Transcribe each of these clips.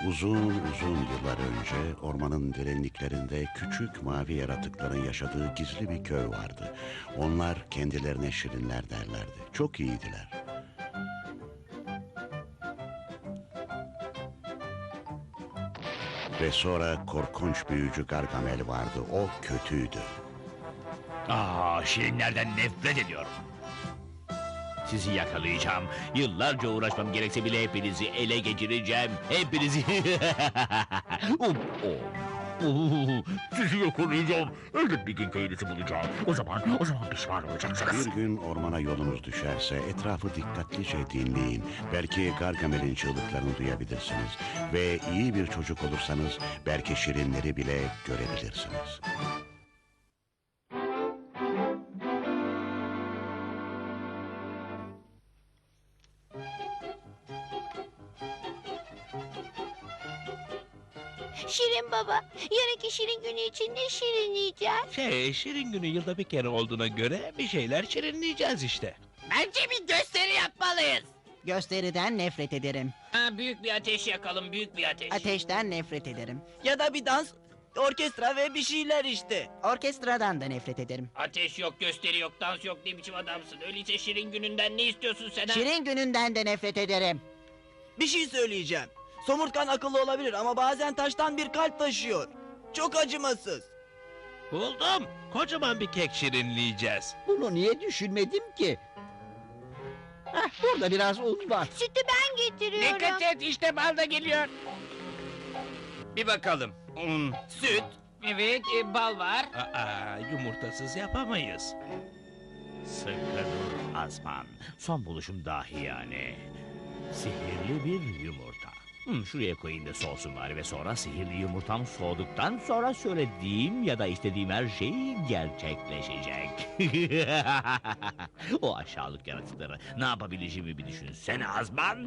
Uzun uzun yıllar önce ormanın derinliklerinde küçük mavi yaratıkların yaşadığı gizli bir köy vardı. Onlar kendilerine şirinler derlerdi. Çok iyiydiler. Ve sonra korkunç büyücü Gargamel vardı. O kötüydü. Şirinlerden nefret ediyorum. Sizi yakalayacağım. Yıllarca uğraşmam gerekse bile hepinizi ele geçireceğim. Hepinizi... Sizi yakalayacağım. Elbet bir gün köyünüzü bulacağım. O zaman pişman olacaksınız. Bir gün ormana yolunuz düşerse etrafı dikkatlice dinleyin. Belki Gargamel'in çığlıklarını duyabilirsiniz. Ve iyi bir çocuk olursanız belki şirinleri bile görebilirsiniz. Şirin baba, yarınki şirin günü için ne şirinleyeceğiz? Şirin günü yılda bir kere olduğuna göre bir şeyler şirinleyeceğiz işte. Bence bir gösteri yapmalıyız. Gösteriden nefret ederim. Büyük bir ateş yakalım, büyük bir ateş. Ateşten nefret ederim. Ya da bir dans, orkestra ve bir şeyler işte. Orkestradan da nefret ederim. Ateş yok, gösteri yok, dans yok, ne biçim adamsın? Öyleyse şirin gününden ne istiyorsun sen ha? Şirin gününden de nefret ederim. Bir şey söyleyeceğim. Somurtkan akıllı olabilir ama bazen taştan bir kalp taşıyor. Çok acımasız. Buldum. Kocaman bir kek şirinleyeceğiz. Bunu niye düşünmedim ki? Burada biraz un var. Sütü ben getiriyorum. Dikkat et, işte bal da geliyor. Bir bakalım. Süt. Evet, bal var. Yumurtasız yapamayız. Sıkı dur Azman. Son buluşum dahi yani. Sihirli bir yumurta. Şuraya koyayım da soğusun bari ve sonra sihirli yumurtam soğuduktan sonra söylediğim ya da istediğim her şey gerçekleşecek. O aşağılık yaratıkları ne yapabileceğimi bir düşünsene Azman.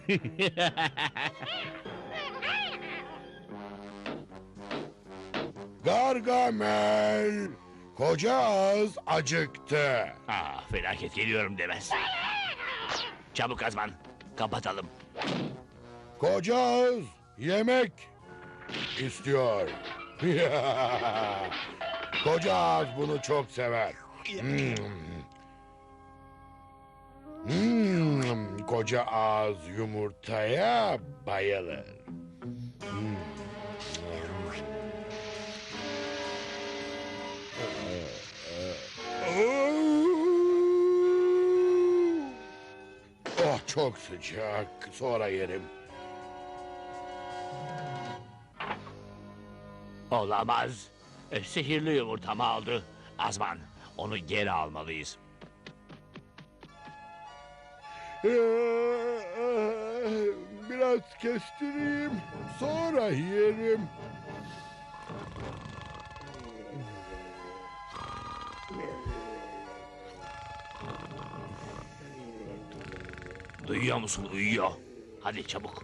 Gargamel, koca ağız acıktı. Felaket geliyorum demez. Çabuk Azman, kapatalım. Koca ağız yemek istiyor. Koca ağız bunu çok sever. Koca ağız yumurtaya bayılır. Oh, çok sıcak. Sonra yerim. Olamaz. Sihirli yumurtamı aldı. Azman, onu geri almalıyız. Biraz kestireyim. Sonra yerim. Duyuyor musun? Uyuyor. Hadi çabuk.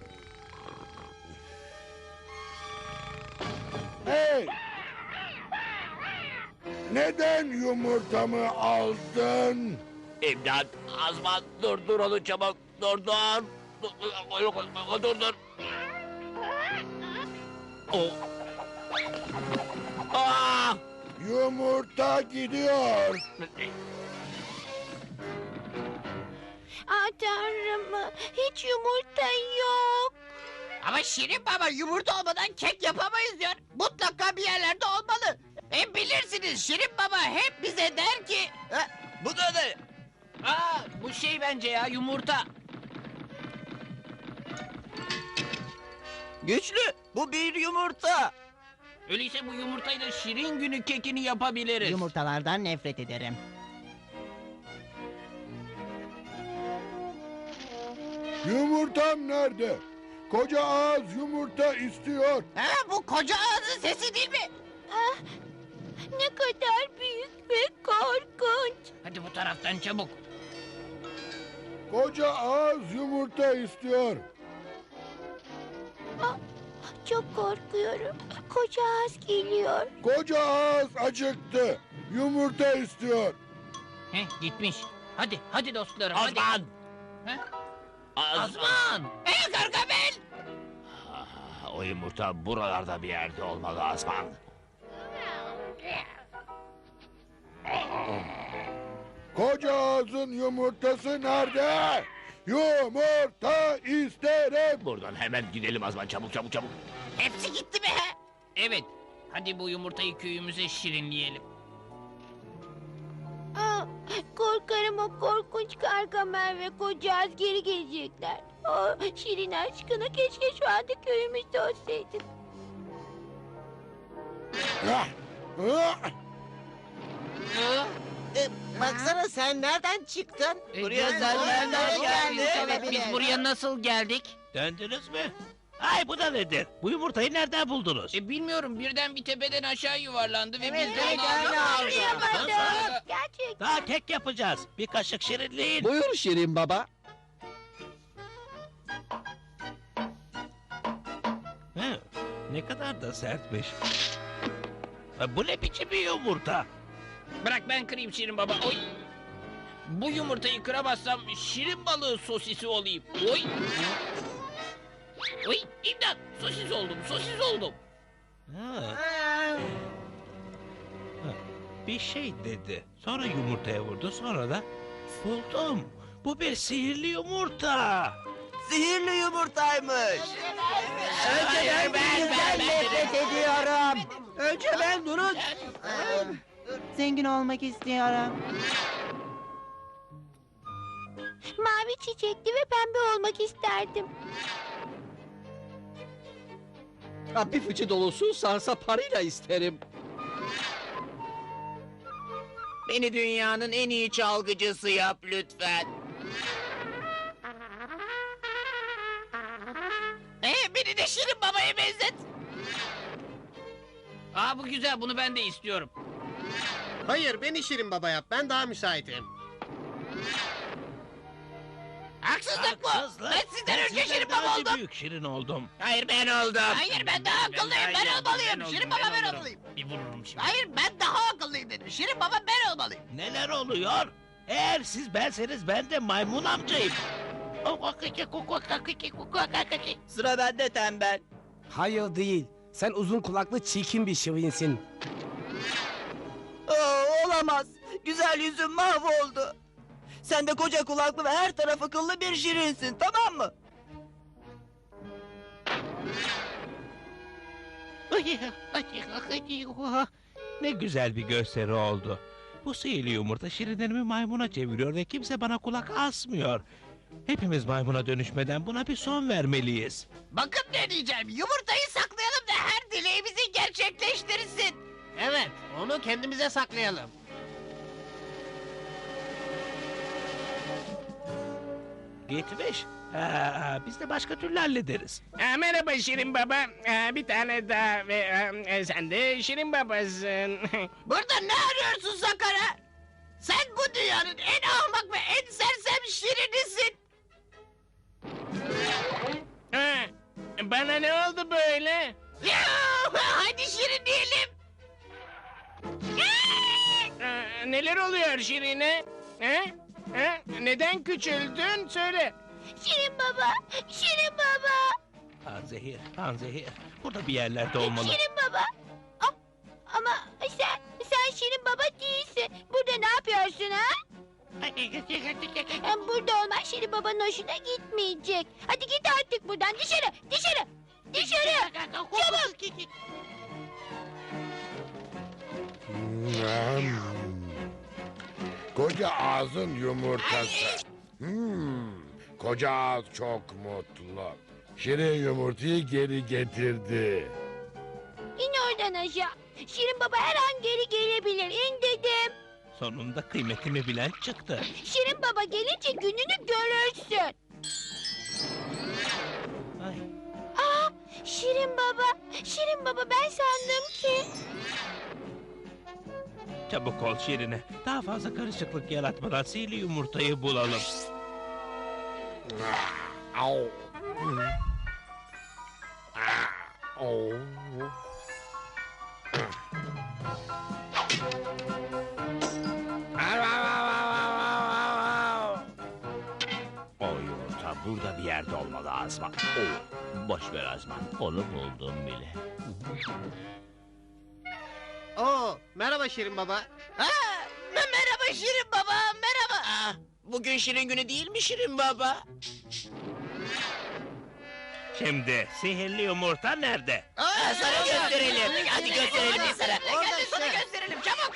Hey! Neden yumurtamı aldın? İmdat! Azman dur onu çabuk. Dur. Dur. Aa! Yumurta gidiyor. Tanrım, hiç yumurta yok. Ama Şirin baba yumurta olmadan kek yapamayız diyor. Mutlaka bir yerlerde olmalı. Bilirsiniz Şirin baba hep bize der ki... Bu da ne? Bu şey bence ya, yumurta. Güçlü, bu bir yumurta. Öyleyse bu yumurtayla şirin günü kekini yapabiliriz. Yumurtalardan nefret ederim. Yumurtam nerede? Koca ağız yumurta istiyor. Bu koca ağzın sesi değil mi? Ne kadar büyük ve korkunç. Hadi bu taraftan çabuk. Koca ağız yumurta istiyor. Çok korkuyorum. Koca ağız geliyor. Koca ağız acıktı. Yumurta istiyor. Gitmiş. Hadi dostlarım Azman! hadi. Azman! Azman! Gargamel! O yumurta buralarda bir yerde olmalı Azman. Koca ağzın yumurtası nerede? Yumurta isterim. Buradan hemen gidelim Azman, çabuk çabuk çabuk. Hepsi gitti mi he? Evet. Hadi bu yumurtayı köyümüze şirinleyelim. Aa, korkarım o korkunç Gargamel ve kocağız geri gelecekler. Şirin aşkına keşke şu anda köyümüzde olsaydın. Ah, ah. Baksana sen nereden çıktın? Buraya sen nereden geldin? Evet, biz buraya nasıl geldik? Döndünüz mü? Ay bu da nedir? Bu yumurtayı nereden buldunuz? Bilmiyorum, birden bir tepeden aşağı yuvarlandı ve Evet, biz de evet, onu öyle aldık. oldu. Yapamadım. Gerçekten. Daha kek yapacağız. Bir kaşık şirinliğin. Buyur Şirin Baba. He, ne kadar da sertmiş. Ha, bu ne biçim bir yumurta? Bırak ben kırayım Şirin Baba. Oy. Bu yumurtayı kıramazsam şirin balığı sosisi olayım. Oy. Oy, imdat. Sosis oldum, sosis oldum. Ha, bir şey dedi. Sonra yumurtaya vurdu. Sonra da buldum. Bu bir sihirli yumurta. Sihirli yumurtaymış. Önce ben nefret ediyorum. Önce ben durun. Zengin olmak istiyorum. Mavi çiçekli ve pembe olmak isterdim. Bir fıçı dolusu sarsa parayla isterim. Beni dünyanın en iyi çalgıcısı yap lütfen. Beni de Şirin Baba'ya benzet. Aa, bu güzel, bunu ben de istiyorum. Hayır, beni Şirin Baba yap. Ben daha müsaitim. Haksızlık bu. Ben sizden önce Şirin daha Baba önce oldum. büyük şirin oldum. Hayır ben oldum. Hayır, ben daha akıllıyım, ben olmalıyım. Şirin Baba ben olmalıyım. Bir vururum şimdi. Hayır, ben daha akıllıyım dedim. Şirin Baba ben olmalıyım. Neler oluyor? Eğer siz benseniz ben de maymun amcayım. Sıra bende tembel. Hayır değil. Sen uzun kulaklı çirkin bir şirinsin. Olamaz. Güzel yüzüm mahvoldu. Sen de koca kulaklı ve her taraf akıllı bir şirinsin, tamam mı? Ne güzel bir gösteri oldu. Bu sihirli yumurta şirinlerimi maymuna çeviriyor ve kimse bana kulak asmıyor. Hepimiz maymuna dönüşmeden buna bir son vermeliyiz. Bakın ne diyeceğim. Yumurtayı saklayalım da her dileğimizi gerçekleştirsin. Evet, onu kendimize saklayalım. Gitmiş. Biz de başka türlü hallederiz. Merhaba Şirin Baba. Bir tane daha ve sen de Şirin Babasın. Burada ne arıyorsun Sakara? Sen bu dünyanın en ahmak ve en sersem şirinisin. Bana ne oldu böyle? Hadi şirin diyelim. Neler oluyor Şirin'e? Neden küçüldün? Söyle. Şirin baba, Şirin baba. Panzehir, panzehir. Burada bir yerlerde olmalı. Şirin baba. Ama sen Şirin baba değilsin. Burada ne yapıyorsun ha? Burada olman Şirin babanın hoşuna gitmeyecek. Hadi git artık buradan dışarı, dışarı, dışarı. Çabuk. Koca ağzın yumurtası. Koca ağız çok mutlu. Şirin yumurtayı geri getirdi. İn oradan aşağı. Şirin baba her an geri gelebilir. İn dedim. Sonunda kıymetimi bilen çıktı. Şirin baba gelince gününü görürsün. Ay, Şirin baba, Şirin baba ben sandım ki. çabuk ol Şirine. Daha fazla karışıklık yaratmadan sihirli yumurtayı bulalım. Au. Au. O yumurta burada bir yerde olmalı Azman. Oo, boş ver Azman. Onu buldum bile. Oo, merhaba Şirin Baba. Merhaba Şirin Baba, merhaba. Bugün Şirin günü değil mi Şirin Baba? Şimdi sihirli yumurta nerede? Sana gösterelim. Hadi gösterelim sana. Hadi sana işte. gösterelim çabuk.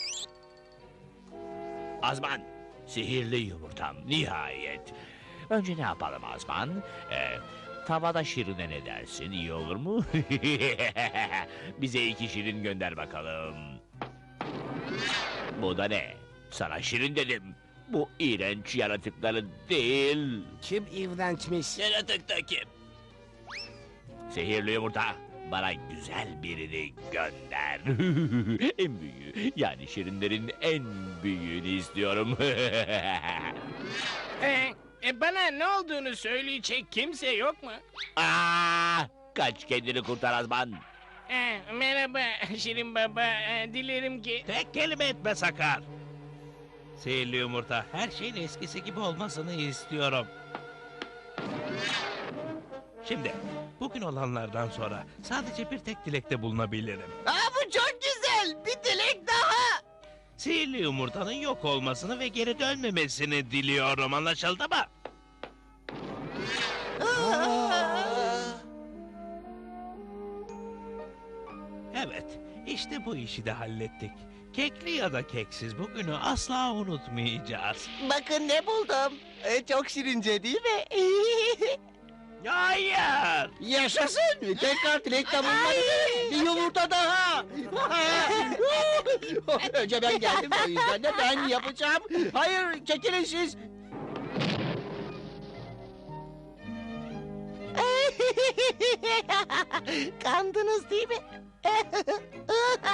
Azman, sihirli yumurtam nihayet. Önce ne yapalım Azman? Tavada şirine ne dersin? İyi olur mu? Bize 2 şirin gönder bakalım. Bu da ne? Sana şirin dedim. Bu iğrenç yaratıkları değil. Kim iğrençmiş? Yaratık da kim? Sihirli yumurta, bana güzel birini gönder. En büyüğü, yani şirinlerin en büyüğünü istiyorum. Bana ne olduğunu söyleyecek kimse yok mu? Aa, kaç kendini kurtar Azman. Merhaba Şirin Baba. Dilerim ki... Tek kelime etme Sakar. Sihirli yumurta, her şeyin eskisi gibi olmasını istiyorum. Şimdi, bugün olanlardan sonra sadece bir tek dilekte bulunabilirim. Bu çok güzel. Bir dilek daha. Sihirli yumurtanın yok olmasını ve geri dönmemesini diliyorum, anlaşıldı mı? Evet, işte bu işi de hallettik. Kekli ya da keksiz bugünü asla unutmayacağız. Bakın ne buldum. Çok şirince değil mi? Hayır! Yaşasın. Tekrar dilekte bulunmalıyım. Bir yumurta daha. Önce ben geldim, o yüzden de ben yapacağım. Hayır, çekilin siz. Kandınız değil mi?